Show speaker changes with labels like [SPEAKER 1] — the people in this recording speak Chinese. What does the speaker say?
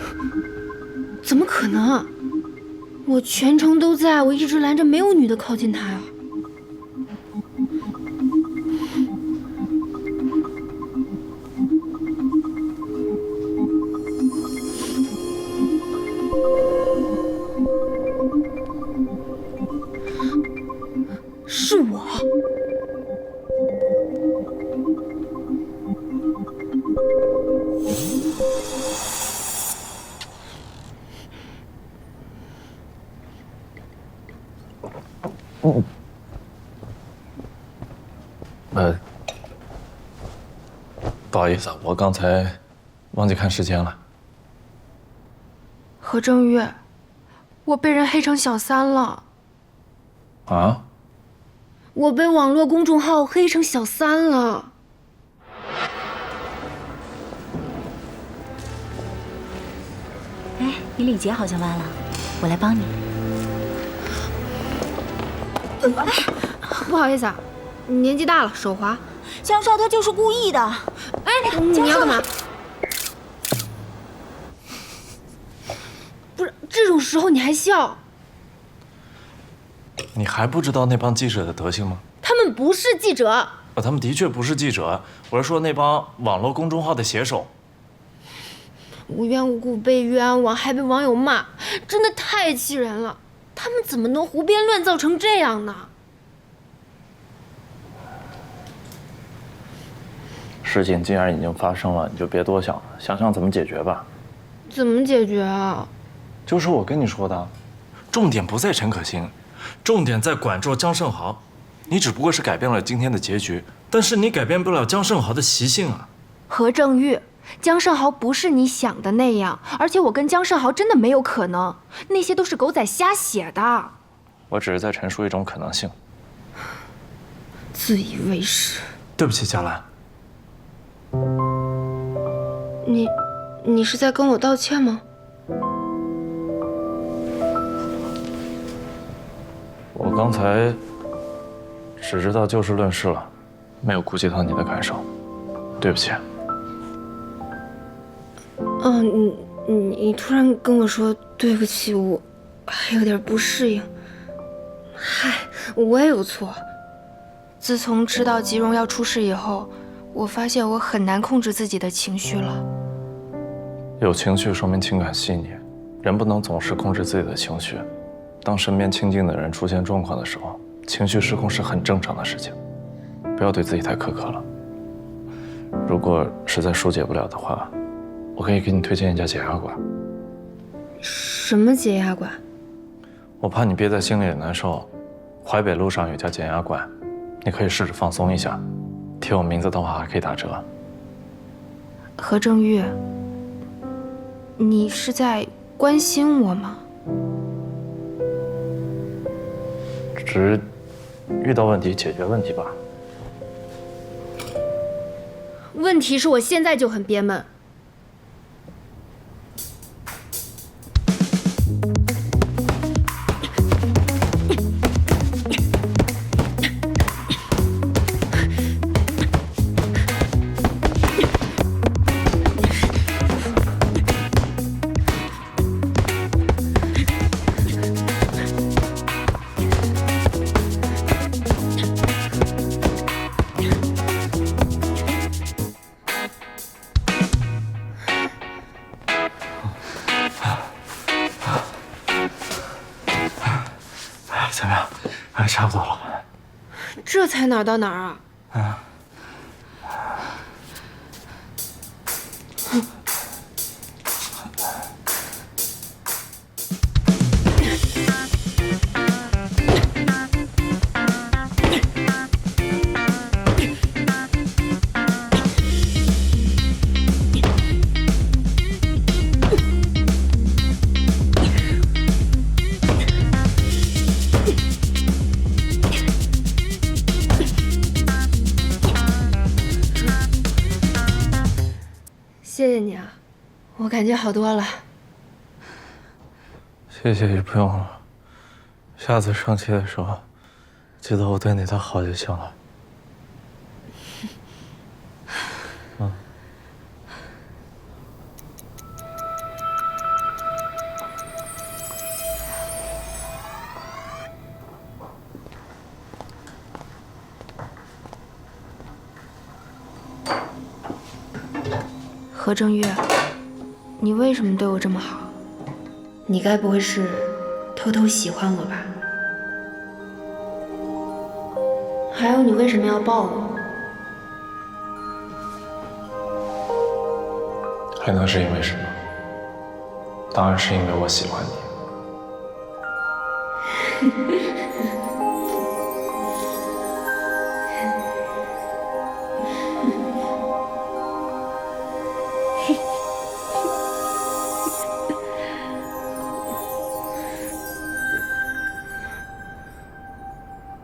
[SPEAKER 1] 怎么可能？我全程都在，我一直拦着没有女的靠近他呀。是我。
[SPEAKER 2] 不好意思，我刚才忘记看时间了。
[SPEAKER 1] 何正月，我被人黑成小三了。
[SPEAKER 2] 啊？
[SPEAKER 1] 我被网络公众号黑成小三了。
[SPEAKER 3] 哎，你礼节好像忘了，我来帮你。
[SPEAKER 1] 不好意思啊，年纪大了手滑。
[SPEAKER 3] 江少他就是故意的。
[SPEAKER 1] 哎，你要干嘛？不是，这种时候你还笑？
[SPEAKER 2] 你还不知道那帮记者的德行吗？
[SPEAKER 1] 他们不是记者。
[SPEAKER 2] 他们的确不是记者，我是说那帮网络公众号的写手。
[SPEAKER 1] 无缘无故被冤枉，还被网友骂，真的太气人了。他们怎么能胡编乱造成这样呢？
[SPEAKER 2] 事情既然已经发生了，你就别多想了，想想怎么解决吧。
[SPEAKER 1] 怎么解决啊？
[SPEAKER 2] 就是我跟你说的，重点不在陈可辛，重点在管住江胜豪。你只不过是改变了今天的结局，但是你改变不了江胜豪的习性啊。
[SPEAKER 1] 何正玉，江胜豪不是你想的那样，而且我跟江胜豪真的没有可能，那些都是狗仔瞎写的。
[SPEAKER 2] 我只是在陈述一种可能性。
[SPEAKER 1] 自以为是。
[SPEAKER 2] 对不起，佳兰。
[SPEAKER 1] 你是在跟我道歉吗？
[SPEAKER 2] 我刚才只知道就事论事了，没有顾及到你的感受，对不起。
[SPEAKER 1] 你突然跟我说对不起，我还有点不适应。嗨，我也有错。自从知道吉荣要出事以后，我发现我很难控制自己的情绪了。
[SPEAKER 2] 有情绪说明情感细腻，人不能总是控制自己的情绪。当身边亲近的人出现状况的时候，情绪失控是很正常的事情，不要对自己太苛刻了。如果实在疏解不了的话，我可以给你推荐一家解压馆。
[SPEAKER 1] 什么解压馆？
[SPEAKER 2] 我怕你憋在心里也难受，淮北路上有家解压馆，你可以试着放松一下。提我名字的话还可以打折。
[SPEAKER 1] 何正玉，你是在关心我吗？
[SPEAKER 2] 只是遇到问题解决问题吧。
[SPEAKER 1] 问题是我现在就很憋闷。
[SPEAKER 2] 怎么样？差不多了。
[SPEAKER 1] 这才哪儿到哪儿啊？谢谢你啊，我感觉好多了。
[SPEAKER 2] 谢谢也不用了，下次生气的时候，记得我对你的好就行了。
[SPEAKER 1] 何正月，你为什么对我这么好？你该不会是偷偷喜欢我吧？还有，你为什么要抱我？
[SPEAKER 2] 还能是因为什么？当然是因为我喜欢你。